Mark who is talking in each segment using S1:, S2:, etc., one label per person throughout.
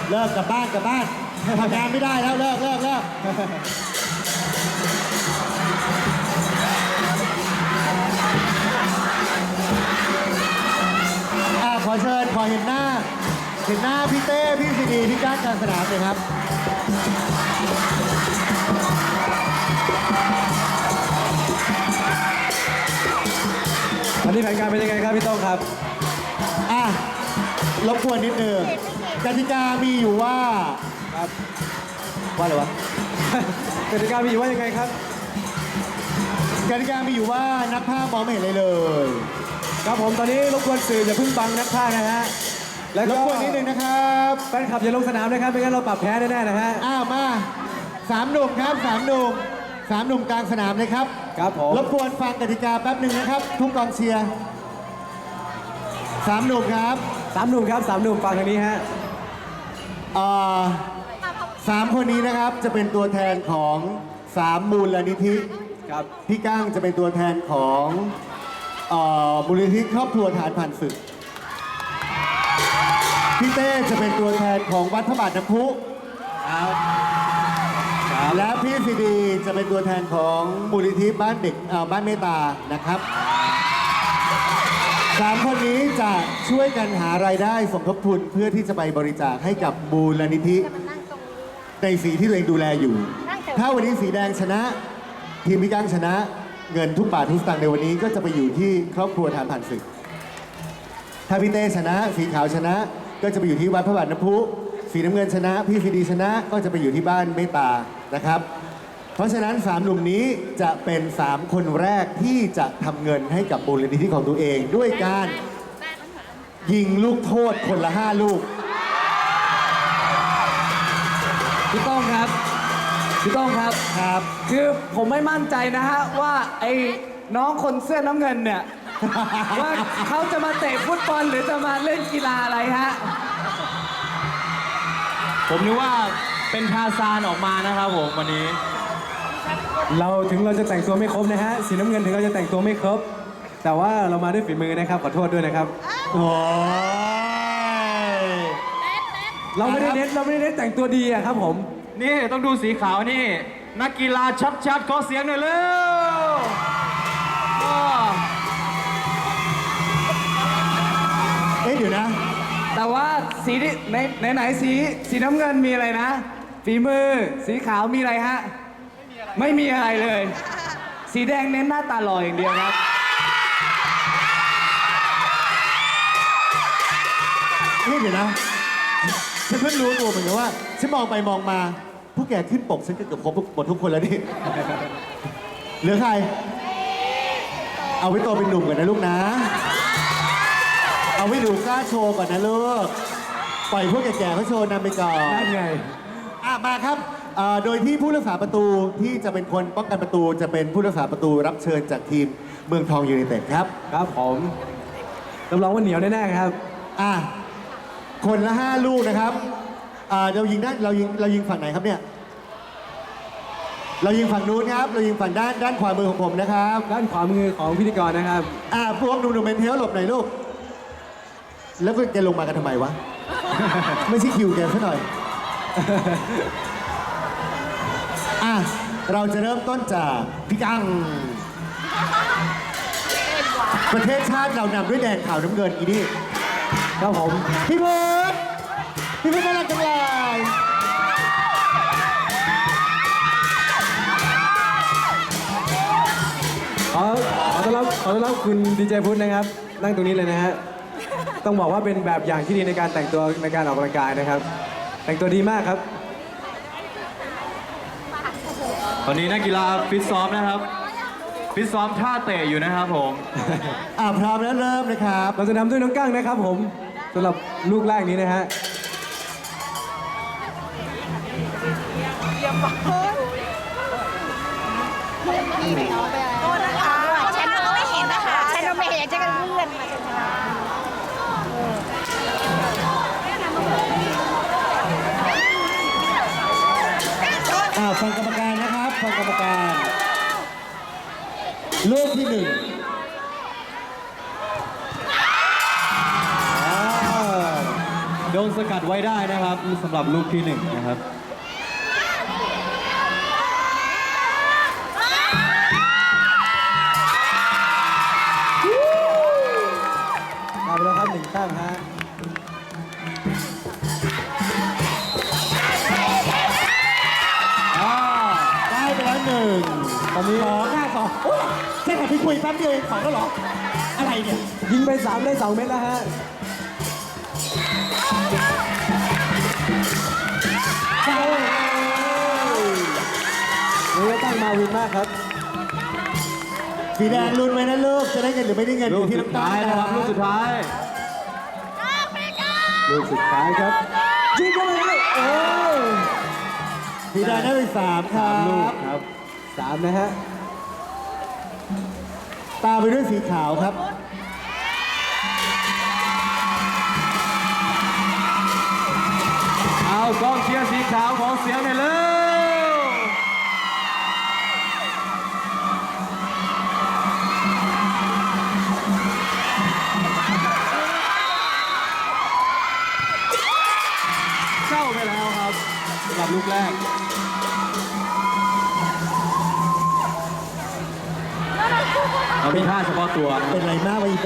S1: เลิกกลับบ้านทำงานไม่ได้แล้วเลิกขอเชิญขอเห็นหน้าพี่เต้พี่ซีดีที่ก้านกลางสนามเลยครับ
S2: วันนี้แผนการเป็นยังไงครับพี่ต้องครับ
S1: รบกวนนิดนึงกติกามีอยู่ว่า
S2: ครับว่าอะไรวะ กติกามีอยู่ว่ายังไงครับ
S1: กติกามีอยู่ว่านักภาพมองไม่เห็นอะไรเลย
S2: ครับผมตอนนี้รบกวนสื่ออย่าเพิ่งบังนักพากย์นะฮะ
S1: แล้วก็รบกวนนิดนึงนะครับ
S2: แฟนคลับอย่าลงสนามนะครับไม่งั้นเราปรับแพ้แน่ๆนะฮะ
S1: มา3 หนุ่มครับ3 หนุ่มกลางสนามเลยครับ
S2: ครับผม
S1: รบกวนฟังกติกาแป๊บหนึ่งนะครับทุกกองเชียร์3 หนุ่มครับ
S2: 3 หนุ่มครับ3 หนุ่มฟังทางนี้ฮะ
S1: 3 คนนี้นะครับจะเป็นตัวแทนของ3 มูลนิธิ
S2: ครับ
S1: พี่ก้างจะเป็นตัวแทนของมูลนิธิครอบครัวทหารผ่านศึกพี่เต้จะเป็นตัวแทนของวัดพระบาทน้ำพุและพี่ซีดีจะเป็นตัวแทนของมูลนิธิบ้านเด็กบ้านเมตตานะครับ3 คนนี้จะช่วยกันหารายได้สมทบทุนเพื่อที่จะไปบริจาคให้กับมูลนิธิในสีที่ตัวเองดูแลอยู่ถ้าวันนี้สีแดงชนะทีมพี่ก้างชนะเงินทุกบาททุกสตางค์ในวันนี้ก็จะไปอยู่ที่ครอบครัวทหารผ่านศึกถ้าพี่เต้ชนะสีขาวชนะก็จะไปอยู่ที่วัดพระบาทน้ำพุสีน้ำเงินชนะพี่ซีดีชนะก็จะไปอยู่ที่บ้านเมตตานะครับเพราะฉะนั้น3 หนุ่มนี้จะเป็น3 คนแรกที่จะทำเงินให้กับมูลนิธิของตัวเองด้วยการยิงลูกโทษคนละ5 ลูก
S2: พี่ต้องครับคือผมไม่มั่นใจนะฮะว่าไอ้น้องคนเสื้อน้ำเงินเนี่ย ว่าเขาจะมาเตะฟุตบอลหรือจะมาเล่นกีฬาอะไรฮะ
S3: ผมนึกว่าเป็นทาซานออกมานะครับผมวันนี้
S2: เราจะแต่งตัวไม่ครบนะฮะสีน้ำเงินถึงเราจะแต่งตัวไม่ครบแต่ว่าเรามาด้วยฝีมือนะครับขอโทษด้วยนะครับ
S1: โอ้ย
S2: เราไม่ได้เน้นแต่งตัวดีอะครับผม
S3: นี่ต้องดูสีขาวนี่นักกีฬาชัดๆขอเสียงหน่อยเร็ว
S1: เดี๋ยวนะ
S2: แต่ว่าสีที่ไหนสีน้ำเงินมีอะไรนะฝีมือสีขาวมีอะไรฮะไม่มีอะไรเลยสีแดงเน้นหน้าตาหล่ออย่างเดียวครับ
S1: เดี๋ยวนะฉันเพิ่งรู้ตัวเหมือนกันว่าฉันมองไปมองมาผู้แก่ขึ้นปกฉันก็เกือบครบหมดทุกคนแล้วนี่เหลือใครเอาไว้โตเป็นหนุ่มก่อนนะลูกนะเอาไว้ดูกล้าโชว์ก่อนนะลูกปล่อยพวกแก่ๆเขาโชว์นำไปก่อน
S2: นั่นไง
S1: มาครับโดยที่ผู้รักษาประตูที่จะเป็นคนป้องกันประตูจะเป็นผู้รักษาประตูรับเชิญจากทีมเมืองทองยูไนเต็ดครับ
S2: ครับผมรับรองว่าเหนียวแน่ๆครับ
S1: คนละ5 ลูกนะครับเรายิงฝั่งไหนครับเนี่ยเรายิงฝั่งนู้นครับเรายิงฝั่งด้านขวามือของผมนะครับ
S2: ด้านขวามือของพิธีกรนะครับ
S1: พวกหนุ่มๆเป็นเทลหลบหน่อยลูกแล้วแกลงมากันทำไมวะ ไม่ใช่คิวแกซะหน่อยเราจะเริ่มต้นจากพี่กังประเทศชาติเรานำด้วยแดงขาวน้ำเงินอีนี่
S2: ครับผม
S1: พี่เพิร์ดน่ารักจังเลย
S2: ขอต้อนรับคุณดีเจพุทธนะครับนั่งตรงนี้เลยนะฮะต้องบอกว่าเป็นแบบอย่างที่ดีในการแต่งตัวในการออกกำลังกายนะครับแต่งตัวดีมากครับ
S3: ตอนนี้นักกีฬาฟิตซ้อมนะครับฟิตซ้อมท่าเตะอยู่นะครับผม
S1: พร้อมแล้วเริ่มนะครับ
S2: เราจะนำด้วยน้องกั้งนะครับผมสำหรับลูกแรกนี้นะฮะ
S4: โทษนะคะฉันก็ไม่เห็นนะคะฉันก็ไม่เห็นฉันก็เลื่อนมา
S1: ฟังกรรมการนะครับฟังกรรมการลูกที่ 1
S3: โดนสกัดไว้ได้นะครับสำหรับลูกที่หนึ่งนะครับ
S5: เอาไปแล้วครับ1 แต้มฮะ
S1: ได้ไปแล้วหนึ่ง
S5: ตอนนี้
S1: 2 5 2โอ้ยแค่ขับไปคุยแป๊บเดียวเอง2แล้วเหรอ อะไรเนี่ย
S5: ยิงไป3ได้2 เม็ดแล้วฮะเจ้านี่ก็ตั้งมาวินมากครับ
S1: สีแดงลุ้นไว้นะลูก จะได้เงินหรือไม่ได้เงินอ
S3: ลูก
S1: ยู่ที่
S3: สุด
S1: น้ำตา
S3: ท้าย
S1: ล
S3: นะครับลูกสุดท้าย
S5: ลูกสุดท้ายครับยิงเข้าไปเลยโอ้ย
S1: สีแดงได้ไป3ครับ
S5: ลูกครับ3นะฮะ
S1: ตามไปด้วยสีขาวครับ
S3: เอากองเชียร์สีขาวของเสียงหน่อยเลยเข้าไปแล้วครับสำหรับลูกแรก เรามีท่าเฉพาะตัวนะค
S1: เป็
S3: รับ
S1: นไรมากวะอีเต้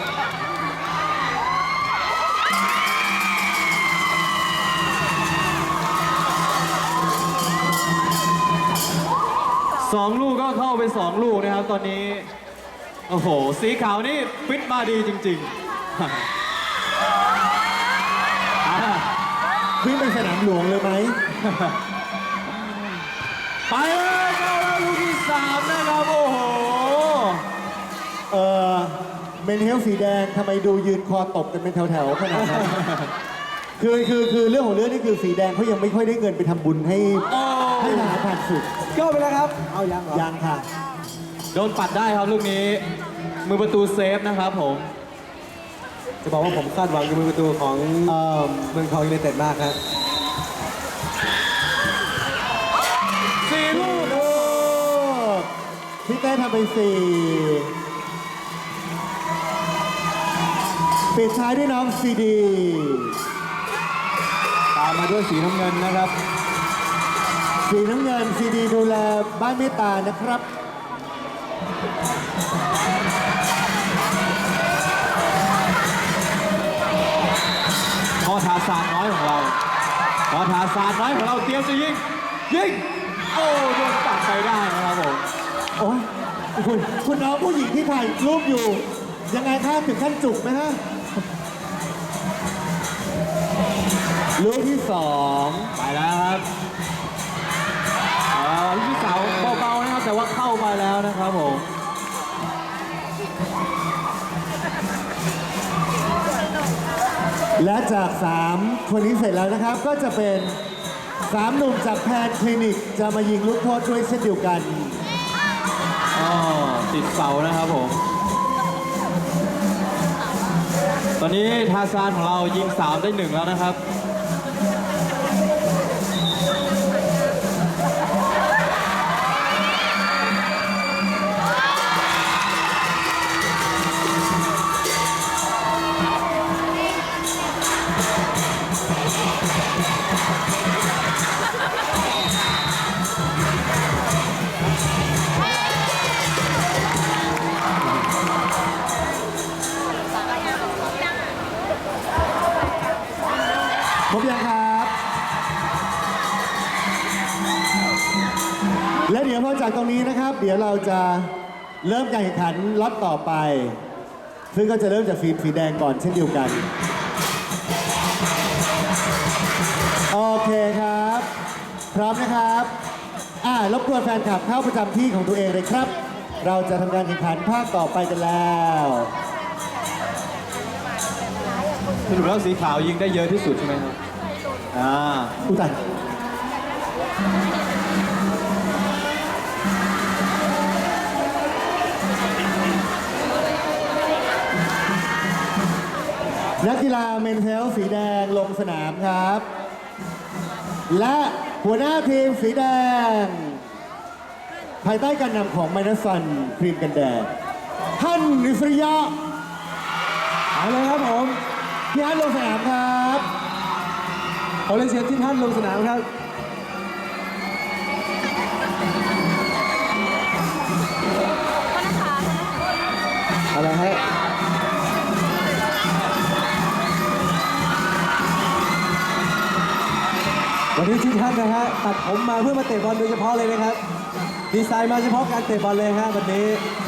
S3: 2 ลูกก็เข้าไป 2 ลูกนะครับตอนนี้ โอ้โห สีขาวนี่ฟิตมาดีจริงๆ
S1: วิ่งไปสนามหลวงเลยไหม
S3: ไปเลยเข้าแล้วลูกที่ 3 นะครับ โอ้โห
S1: เออเมนเฮลสีแดงทำไมดูยืนคอตกกันเป็นแถวๆขนาดนั้น คือเรื่องของเรื่องนี่คือสีแดงเขายังไม่ค่อยได้เงินไปทำบุญให้ทหารผ่านศึก
S5: เข้าไปแล้วครับ เอายังเหรอ
S1: ยังค่ะ
S3: โดนปัดได้ครับลูกนี้ มือประตูเซฟนะครับผม
S5: จะบอกว่าผมคาดหวังกับมือประตูของเมืองทองยูไนเต็ดมากครับ
S3: 4 ลูก
S1: โอ้พี่เต้ทำไป4ปิดท้ายด้วยน้องซีดี
S3: ตามมาด้วยสีน้ำเงินนะครับ
S1: สีน้ำเงินซีดีดูแลบ้านเมตตานะครับ
S3: พอทาซานน้อยของเรา พอทาซานน้อยของเราเตรียมจะยิง ยิง โอ้โดนตัดไปได้นะครับผม
S1: โอ้ยคุณน้องผู้หญิงที่ถ่ายรูปอยู่ ยังไงคะถึงขั้นจุกไหมฮะ ลูกที่ 2
S3: ไปแล้วครับลูกที่สาวเบาๆนะครับ แต่ว่าเข้าไปแล้วนะครับผม
S1: และจาก 3 คนนี้เสร็จแล้วนะครับ ก็จะเป็น 3 หนุ่มจากแพนคลินิก จะมายิงลูกโทษด้วยเช่นเดียวกัน
S3: อ๋อ ติดเสานะครับผม ตอนนี้ทาซานของเรายิง 3 ได้ 1 แล้วนะครับ
S1: ครบยังครับ และเดี๋ยวพอจากตรงนี้นะครับ เดี๋ยวเราจะเริ่มการแข่งขันล็อตต่อไป ซึ่งก็จะเริ่มจากสีแดงก่อนเช่นเดียวกัน โอเคครับ พร้อมนะครับรบกวนแฟนคลับเข้าประจำที่ของตัวเองเลยครับ เราจะทำการแข่งขันภาคต่อไปกันแล้ว
S3: สรุปแล้วสีขาวยิงได้เยอะที่สุดใช่ไหมครับ
S1: อุยตันนักกีฬาเมนเทลสีแดงลงสนามครับ และหัวหน้าทีมสีแดง ภายใต้การนำของไมนัสซันครีมกันแดดท่านนิสริยะ
S5: เอาเลยครับผม
S1: พี่ฮันลงสนามครับ
S5: อเรียนเชิญที่ท่านลงสนามครับ อะไรฮะวันนี้ที่ท่านนะฮะตัดผมมาเพื่อมาเตะบอลโดยเฉพาะเลยนะครับ ดีไซน์มาเฉพาะการเตะบอลเลยฮะวันนี้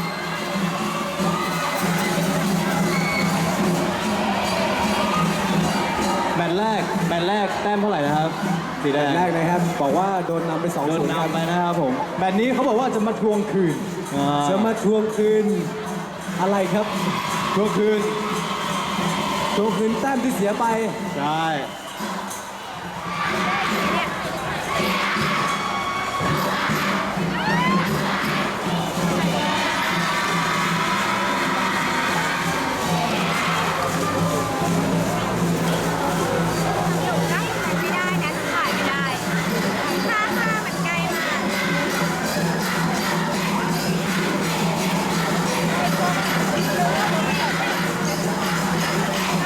S3: แมตช์แรกแต้มเท่าไหร่นะครับ สีแดง
S5: แรกนะครับบอกว่าโดนนำไป2-0
S3: โดน
S5: ครับ
S3: นำไปนะครับผมแมตช์นี้เขาบอกว่าจะมาทวงคืน
S5: จะมาทวงคืนอะไรครับ
S3: ทวงคืน
S5: ทวงคืนแต้มที่เสียไป
S3: ใช่